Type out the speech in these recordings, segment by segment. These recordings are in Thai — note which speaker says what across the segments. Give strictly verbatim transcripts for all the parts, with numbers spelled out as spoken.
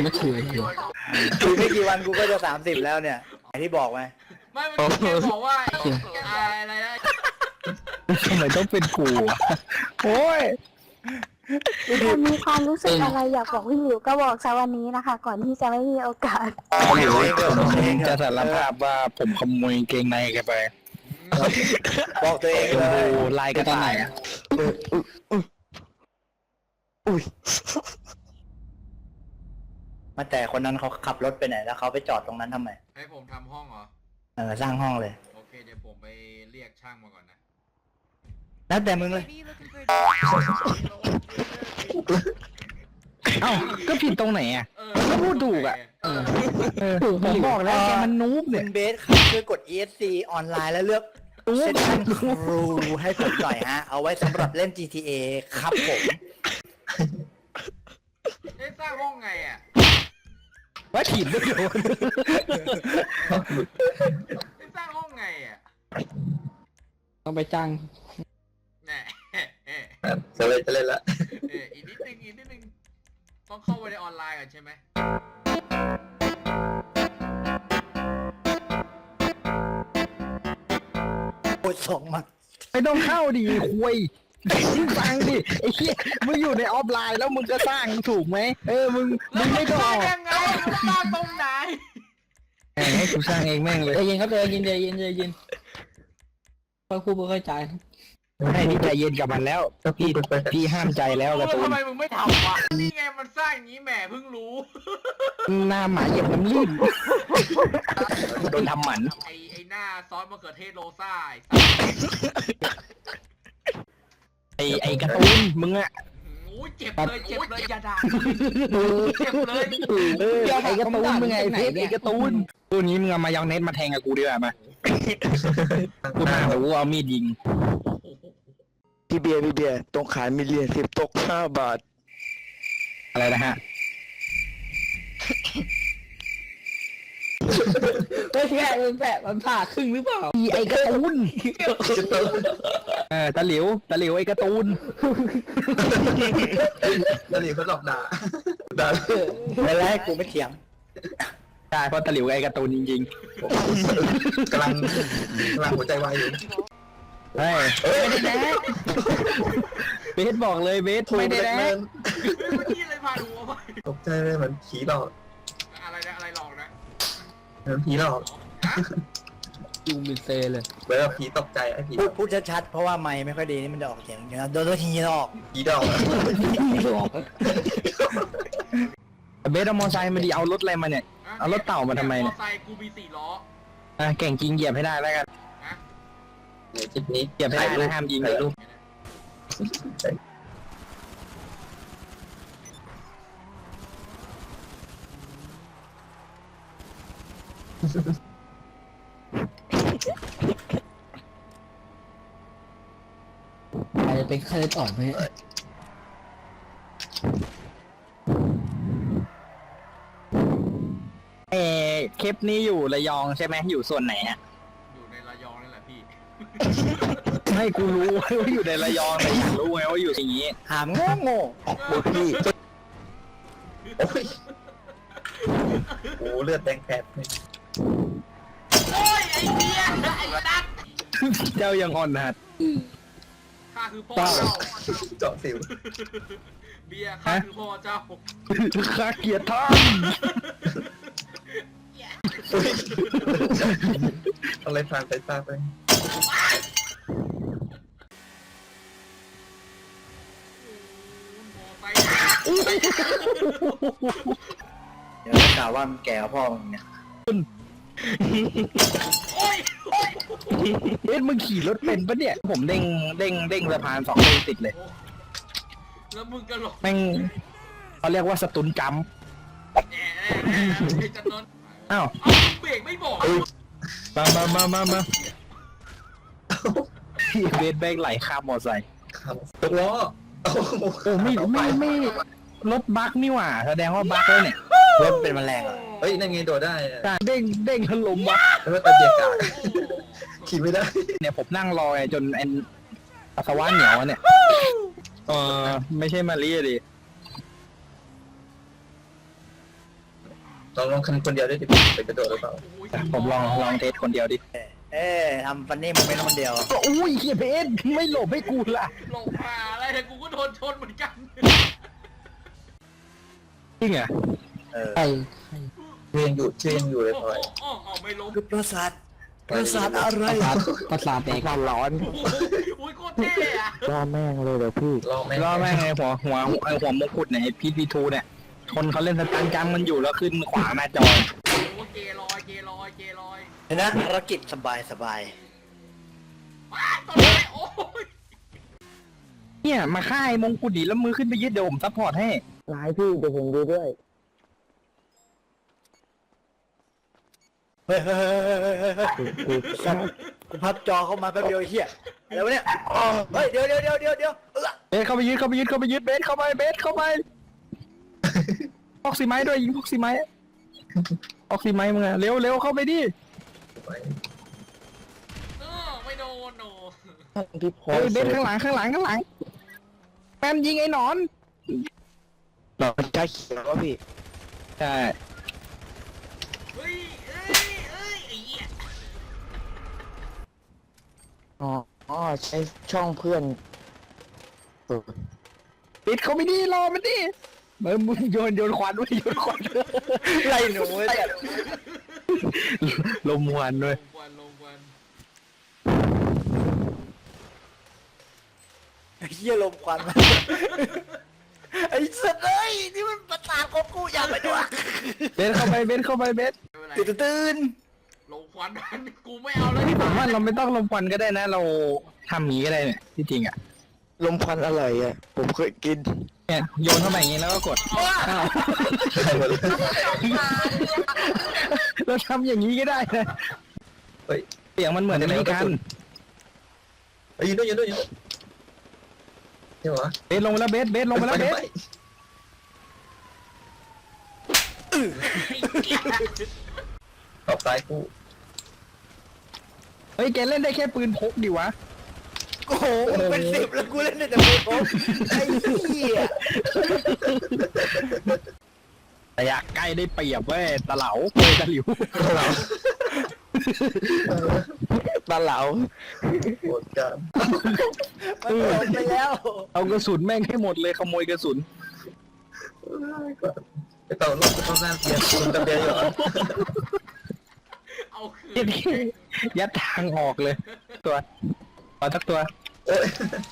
Speaker 1: ไม่เคยเลย
Speaker 2: อีกไม่กี่วันกูก็จะสามสิบแล้วเนี่ยไอที่บอกไหม
Speaker 3: ไม่มันแค่บอกว่าอะไรนะ
Speaker 1: ทำไมต้องเป็นกูอ่ะโอ้ย
Speaker 4: ถ้ามีความรู้สึกอะไรอยากบอกพี่หลิวก็บอกซะวันนี้นะคะ ก่อนที่จะไม่มีโอกาส
Speaker 1: หลิวผมจะสารภาพว่าผมขโมยเกงในแกไป
Speaker 2: บอกตัวเอง
Speaker 1: ชม
Speaker 2: เล
Speaker 1: พู
Speaker 2: ย
Speaker 1: ลายกระต่ายอ่ะ
Speaker 2: มาแต่คนนั้นเขาขับรถไปไหนแล้วเขาไปจอดตรงนั้นทำไม
Speaker 3: ให้ผมทำห้องเหรอ
Speaker 2: เออสร้างห้องเลย
Speaker 3: โอเคเดี๋ยวผมไปเรียกช่างมาก่อนนะ
Speaker 2: แล้วแต่มึงเลย
Speaker 1: เอ้าก็ผิดตรงไหนอ่ะ
Speaker 3: เออ
Speaker 1: ก็พูดถูกอ่ะ
Speaker 3: เออ
Speaker 1: เออผมบอกแล้วแกมันนูบ
Speaker 2: คุ
Speaker 1: เนี่ย
Speaker 2: ณเบสครับช่วยกด อี เอส ซี ออนไลน์แล้วเลือกเซสชั่นครูให้ผมหน่อยฮะ เอาไว้สำหรับเล่น จี ที เอ ครับผม
Speaker 3: เอ๊ะสร้างห้องไงอ่ะ
Speaker 1: ว่าถีบด้วยโดน
Speaker 3: เอ๊ะสร้างห้องไงอ่ะ
Speaker 1: ต้องไปจ้าง
Speaker 3: แหน่เอ๊ะ
Speaker 5: จะเล่นจะเล่นละ
Speaker 3: เอ๊ะอีกนิดนึงอีกนิดนึงต้องเข้าไปในออนไลน์ก่อนใช่ไหม
Speaker 2: โอ้ยส่งมา
Speaker 1: ไม่ต้องเข้าดิคุยฟังดิไอ้เหี้ยมึงอยู่ในออฟไลน์แล้วมึงก็สร้างถูกไหมเออมึงมึงไม่ต้อง
Speaker 3: ส
Speaker 1: อ
Speaker 3: ร้าง
Speaker 1: อก
Speaker 3: ยังไงมันสร้างตรงไหน
Speaker 1: แหมให้กูสร้างเองแม่งเลย
Speaker 6: ใจเย็นครับใจเย็นใจเย็นใจเย็นค่อยพูดค่อยๆใจครับ
Speaker 1: ให้พี่ใจเย็นกับมันแล้วพี่พี่ห้ามใจแล้วการ์ตู
Speaker 3: ทำ
Speaker 1: น
Speaker 3: ไมมึงไม่ทำวะนี่ไงมันสร้างอย่างนี้แหมเพิ่งรู้
Speaker 1: หน้าหมาเหยียบน้ำลื่นโดนทำหมัน
Speaker 3: ไอไอหน้าซอสมะเขือเทศโรซ่าไอ้
Speaker 1: ไอไอการ์ตูนมึงอะ
Speaker 3: โอ้ยเจ็บเลยเจ็บเลยอย่าด่าเจ็บเลย
Speaker 1: เออไอการ์ตูนมึงไงเพชรไอการ์ตูนตัวนี้มึงเอามายองเน็ตมาแทงกับกูดีกว่ามากูมาแต่กูเอามีดยิง
Speaker 7: พี่เบียร์พี่เบียร์ตรงขายมีเหรียญสิบตกห้าบาท
Speaker 1: อะไรนะฮะ
Speaker 6: ไม่ใช่มันแปะมันผ่าครึ่งหรือเปล่า
Speaker 1: อีไอการ์ตูนเออตะหลิวตะหลิวไอการ์ตูน
Speaker 5: แล้วนี่เขาหลอกด่าด่า
Speaker 2: ไม่แล้วกูไม่เถียง
Speaker 1: ใช่เพราะตะหลิวไอการ์ตูนจริง
Speaker 5: กำลังกำลังหัวใจวายอยู่
Speaker 1: ๆเฮ้ยไม่ได้แดกเบสบอกเลยเบสไม่ได้แดก
Speaker 3: เมื่อกี้เลยพาดูเอาไป
Speaker 5: ตกใจเลยเหมือนผีหลอก
Speaker 3: อะไรนะอะไรหลอกนะ
Speaker 5: เหมือนผีหลอก
Speaker 6: ยุงบินเซเลย
Speaker 5: เหมือนกับผีตกใจไอ้ผี
Speaker 2: พูดพูดชัดๆเพราะว่าไมค์ไม่ค่อยดีนี่มันจะออกเสียงอย่างนี้นะโดนตัวทีหรอก
Speaker 5: ผีดอก
Speaker 1: เบสเอามอไซค์มาดีเอารถอะไรมาเนี่ย เอารถเต่ามาทำไมเนี่ย
Speaker 3: มอไซค์กูมีสี่ล้อ
Speaker 1: อ่ะเก่งจริงเหยียบให้ได้แล้วกัน
Speaker 3: นะ
Speaker 5: ในคลิปนี้
Speaker 1: เหยียบให้ได้นะห้ามยิง
Speaker 5: ถ่ายรูป
Speaker 6: อาจจะเป็นไข้เลือดออกไหม
Speaker 1: เออคลิปนี้อยู่ระยองใช่ไหมอยู่ส่วนไหนฮะ
Speaker 3: อยู่ในระยองนี่แหละพี่
Speaker 1: ไม่กูรู้ว่าอยู่ในระยองแต่อยากรู้ไงว่าอยู่อย่างนี้
Speaker 2: หามโง่โง่
Speaker 5: โอ้พี่โอ้ยโอ้เลือดแดงแผลบเลย
Speaker 3: โอ้ยไอ้เบี้ยไอ้ตัด
Speaker 1: เจ้ายังอ่อนหัด
Speaker 3: ข้าคือพ่อเจ้า
Speaker 5: เจาะสิว
Speaker 3: เบียร์ข้าคือพ่อเจ้า
Speaker 1: ข้าเกลียดท่าน
Speaker 5: ต้องเล่นทางไปตาไป
Speaker 3: มอไซค์
Speaker 2: เดี๋ยวจะกล่าวว่ามันแก่กว่าพ่อมึงเนี่ย
Speaker 3: โอ้ยโอ้ย
Speaker 1: เอ๊ะมึงขี่รถเป็นปะเนี่ย ผมเด้งเด้งเด้งสะพานสองเด้งติดเลย
Speaker 3: แล้วมึงก็หลอก
Speaker 1: แม่งเขาเรียกว่าสตุนจัมป์
Speaker 3: แอะแอะแอะไอ้จันนนท์
Speaker 1: อ้าว
Speaker 3: เอ้าเบรกไม่บอก
Speaker 1: มามามามามาเบสแบกไหลข้ามมอไซค์
Speaker 5: ครับตกล้อโอ้โห
Speaker 1: โอ้ไม่ไม่ไม่รถบั๊กนี่หว่าแสดงว่าบั๊กแล้วเนี่ย
Speaker 2: รถเป็นแมลงเหรอ
Speaker 5: เฮ้ยนั่นไงโดดได้อะ
Speaker 1: เด้งเด้งถล่มบั๊ก
Speaker 5: แล้วก็ตะเกียกกาขี่ไม่ได้
Speaker 1: เนี่ยผมนั่งรอไงจนไอ้ปัสสาวะเหนียวอะเนี่ยเออไม่ใช่มารีดิ
Speaker 5: ลองลองคันคนเดียวได้ดิไปกระโดดหรือเปล่า
Speaker 3: โอ้ย
Speaker 1: ผมลองลองเทสคนเดียวดิ
Speaker 2: เอ๊ะทำฟันนี่มันเป็นคนเดียว
Speaker 1: ก็อุ้ยเฮียเพชรไม่หลบให้กูล่ะ
Speaker 3: หลงมาอะไรแต่กูก็โดนชนเหมือนกัน
Speaker 1: จริงเหรอ
Speaker 2: เออ
Speaker 6: ใคร
Speaker 5: เรียนอยู่เรียนอยู่เลย
Speaker 3: โอ้
Speaker 5: พลอย
Speaker 3: โอ้โอ้ไม่ล้ม
Speaker 2: คือประสาทประสาทอะไร
Speaker 6: ประสาทประสาทแตก
Speaker 7: ร้อน
Speaker 3: โอ้โหอุ้ยโคตรเท่อะ
Speaker 7: ล่อแม่งเลยเดี๋ยวพี่
Speaker 5: รอแม่
Speaker 1: รอแม่งไงหัวหัวไอหัวมงกุฎเนี่ยไอพีทวีทูเนี่ยคนเขาเล่นสตันจังมันอยู่แล้วขึ้นขวางหน้าจอ
Speaker 3: โอ้โหเกลอยเกลอยเกลอย
Speaker 2: เห็นนะภารกิจสบายสบาย
Speaker 3: ว้าตอนนี้โอ้ย
Speaker 1: เนี่ยมาฆ่าไอ้มงกุฎดิแล้วมือขึ้นไปยึดเดี๋ยวผมซัพพอร์ตให้
Speaker 7: ร้ายพี่เดี๋ยวผมดูด้วย
Speaker 2: เฮ้ยเฮ้ยเฮ้ยเฮ้ยเฮ้ยเฮ้ยกูพับจอเข้ามาแป๊บเดียวไอ้เหี้ยอะไรวะเนี่ยเฮ้ยเดี๋ยวเดี๋ยวเดี๋ยวเดี๋ยวเดี๋ยวเออ
Speaker 1: เบสเข้าไปยึดเข้าไปยึดเข้าไปยึดเบสเข้าไปเบสเข้าไปออกซิไม้ด้วยยิงออกซิไม้ออกซิไม้มึงอะเร็วเร็วเข้าไปดิ
Speaker 3: เออไม่โดนโน
Speaker 7: พี่พอ
Speaker 1: เฮ้ยเบสข้างหลังข้างหลังข้างหลังแปมยิงไอ้หนอน
Speaker 7: หนอนจ้าเขียววะพี่
Speaker 1: ใช่
Speaker 3: เฮ้ยเอ้ยเอ้ยไอ้เหี้ย
Speaker 7: อ๋ออ๋อใช้ช่องเพื่อนเออ
Speaker 1: ปิดเขาไม่ดีรอมันดิเออมึงโยนโยนควันไว้โยนควัน
Speaker 2: ไล่หนูไอ้เนี่ย
Speaker 1: ลมควันด้วย
Speaker 3: ลงควันลงควัน
Speaker 2: ไอ้เหี้ยลมควันมาไอ้สัตว์เอ้ยนี่มันประสาทของกูอย่าไปด้วย
Speaker 1: เบสเข้าไปเบสเข้าไปเบส
Speaker 3: ไม่เป็นไร
Speaker 2: ตื่นตื่น
Speaker 3: ลงควันมันกูไม่เอาเลย
Speaker 1: ที่ผมว่าเราไม่ต้องลมควันก็ได้นะ เราทำอย่างนี้ก็ได้เนี่ยที่จริงอ่ะ
Speaker 7: ลมควันอร่อยอ่ะ ผมเคยกิน
Speaker 1: เนี่ยโยนเข้าไปอย่างนี้แล้วก็กดอ้าว
Speaker 5: ใช่หมดเลย
Speaker 1: เราทำอย่างนี้ก็ได้นะ
Speaker 5: เฮ้ย
Speaker 1: เสียงมันเหมือนในกัน
Speaker 5: เฮ้ยยืนด้วยยืนด้วยยืนด้วยใช่เหรอ
Speaker 1: เบสลงไปแล้วเบสเบสลงไปแล้วเบส
Speaker 5: ตอบซ้ายกู
Speaker 1: เฮ้ยแกเล่นได้แค่ปืนพกดิวะ
Speaker 2: โอ้โหมึงเป็นสิบแล้วกูเล่นได้แต่ปืนพกไอ้เหี้ย
Speaker 1: ระยะใกล้ได้เปรียบเว้ยตะเหลาเว้ยตะหลิว
Speaker 5: เรา
Speaker 7: ปลาเหลา
Speaker 5: โหดกัน
Speaker 2: มันจบไปแล้ว
Speaker 1: เอากระสุนแม่งให้หมดเลยขโมยกระสุน
Speaker 5: ไปต่อรถไปต่อหน้าเบียร์คุณกับเบียร์อยู่เหรอ
Speaker 3: เอาคืน
Speaker 1: ยัดทางออกเลย ตัวขอสักตัว
Speaker 5: เอ้ย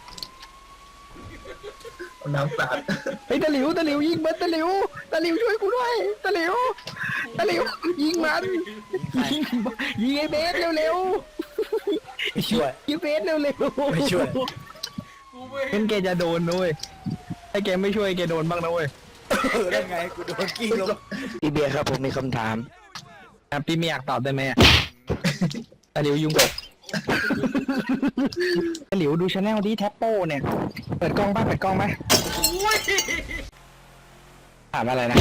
Speaker 5: เอาน้ำสาด
Speaker 1: เฮ้ยตะหลิวตะหลิวยิงมันตะหลิวตะหลิวช่วยกูด้วยตะหลิวตะหลิวยิงมันยิงยิงไอ้เบสเร็ว
Speaker 2: ไม่ช่วย
Speaker 1: ๆยิงเบสเร็ว
Speaker 2: ไม่ช่วย
Speaker 3: กูไม่
Speaker 1: ๆงั้นแกจะโดนด้วยถ้าแกไม่ช่วยแกโดนบ้างนะเว้ย
Speaker 2: เออได้ไงกูโดนกิ้งลง
Speaker 7: พี่เบียร์ครับผมมีคำถาม
Speaker 1: อ่ะพี่ไม่อยากตอบได้ไหมอ่ะตะหลิวยุงกบตะหลิวดูชาแนลดีแท็ปโป้เนี่ย เปิดกล้องป่ะเปิดกล้องไหม
Speaker 3: อุ้ย
Speaker 1: ถามอะไรนะ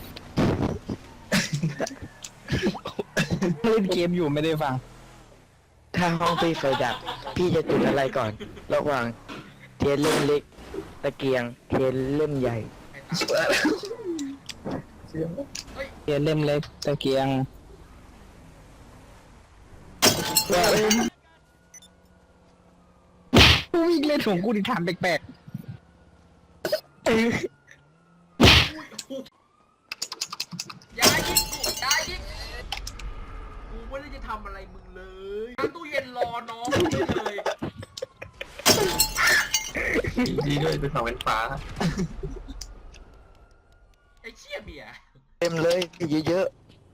Speaker 1: เล่นเกมอยู่ไม่ได้ฟัง
Speaker 7: ถ้าห้องพี่ไฟดับ พี่จะจุดอะไรก่อน ระหว่างเทียนเล่มเล็ก ตะเกียง เทียนเล่มใหญ่
Speaker 5: เชื่อแล้วเชื่อ
Speaker 1: เทียนเล่มเล็กตะเกียงกูวิ่งเล่นของกูที่ถามแปลก
Speaker 3: อย่ายิงกูอย่ายิงกูไม่ได้จะทำอะไรมึงเลยตั้งตู้เย็นรอน้องได้เลย
Speaker 5: ดีด้วยเป็นฝั่งเป็นฟ้า
Speaker 3: ไอ้เชี่ยเบียร์
Speaker 7: เต็มเลยเยอะ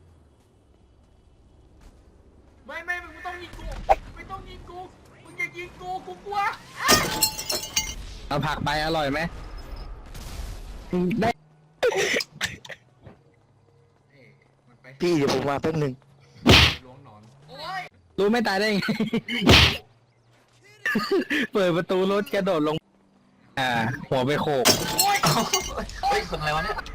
Speaker 3: ไม่ไม่มึงไม่ต้องยิงกูไม่ต้องยิงกูมึงอย่ายิงกูกูกลัว
Speaker 1: ๆเอาผักไปอร่อยไหมได้
Speaker 3: เอ้ยมันไป
Speaker 7: ๆ พี่เดี๋ยวผมมาแป๊บหนึ่ง
Speaker 3: ล้วงหนอนโอ้ย
Speaker 1: รู้ไม่ตายได้ไง เปิดประตูรถกระโดดลง อ่า หัวไปโขก
Speaker 3: โอ้ย
Speaker 5: เฮ้ยคนอะไรวะเนี่ย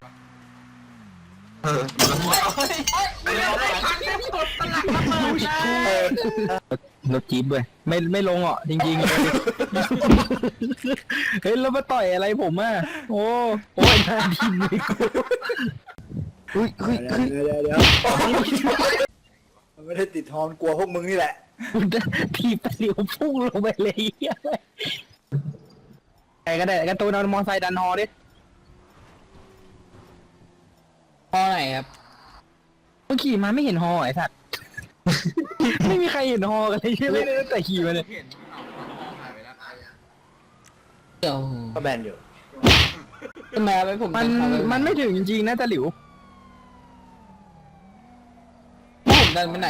Speaker 5: เออแล้วมึงเอาเฮ้ย
Speaker 3: ไม่เอาไม่ทันไม่กดตลักระเบิดเลย
Speaker 1: รถจี๊ปเว้ยไม่ไม่ลงอ่ะจริงๆ เฮ้ยแล้วมาต่อยอะไรผมอ่ะ โอ้โอ้ยหน้าดินเลยกูอุ้ยเฮ้ย
Speaker 2: เดี๋ยว
Speaker 1: เฮ้ย
Speaker 2: เดี๋ยวเดี๋ยวมันไม่ได้ติดฮอนกลัวพวกมึงนี่แหละ
Speaker 1: ทีบตะหลิวพุ่งลงไปเลยเหี้ยใครก็ได้การ์ตูนเอามอไซค์ดันฮอดิ
Speaker 6: พอไหนครับ
Speaker 1: เมื่อขี่มาไม่เห็นฮอไอ้สัตว์ ไม่มีใครเห็นฮอกันเลยใช่ไหมตั้งแต่ขี่มาเนี่ย
Speaker 3: เห็นเอาเอาหายไปแล้ว
Speaker 6: เดี๋ยว
Speaker 2: ก็แบนอยู่
Speaker 6: ทำไมเอาไปผม
Speaker 1: มัน
Speaker 6: ดัเอาป
Speaker 1: มันไม่ถึงจริงๆนะตะหลิว
Speaker 6: ผมดันไปไหน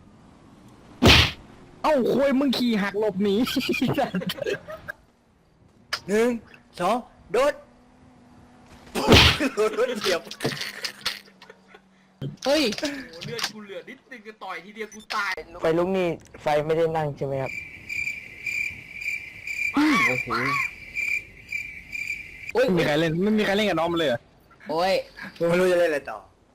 Speaker 1: เอ้าคุยมึงขี่หักหลบหนี
Speaker 2: หนึ่งสองโดดโดดโดดเหยียบ
Speaker 6: เฮ้ย
Speaker 3: โอ้เลือดกูเหลือนิดนึงจะต่อยทีเดียวกูตาย
Speaker 7: ไฟลุกนี่ไฟไม่ได้นั่งใช่ไหมครับ
Speaker 6: โอ้โหโอ้ย
Speaker 1: ไม่มีใครเล่นไม่มีใครเล่นกับน้องมันเลยเหรอ
Speaker 6: โอ้ย
Speaker 2: กูไม่รู้จะเล่นอะไรต่อ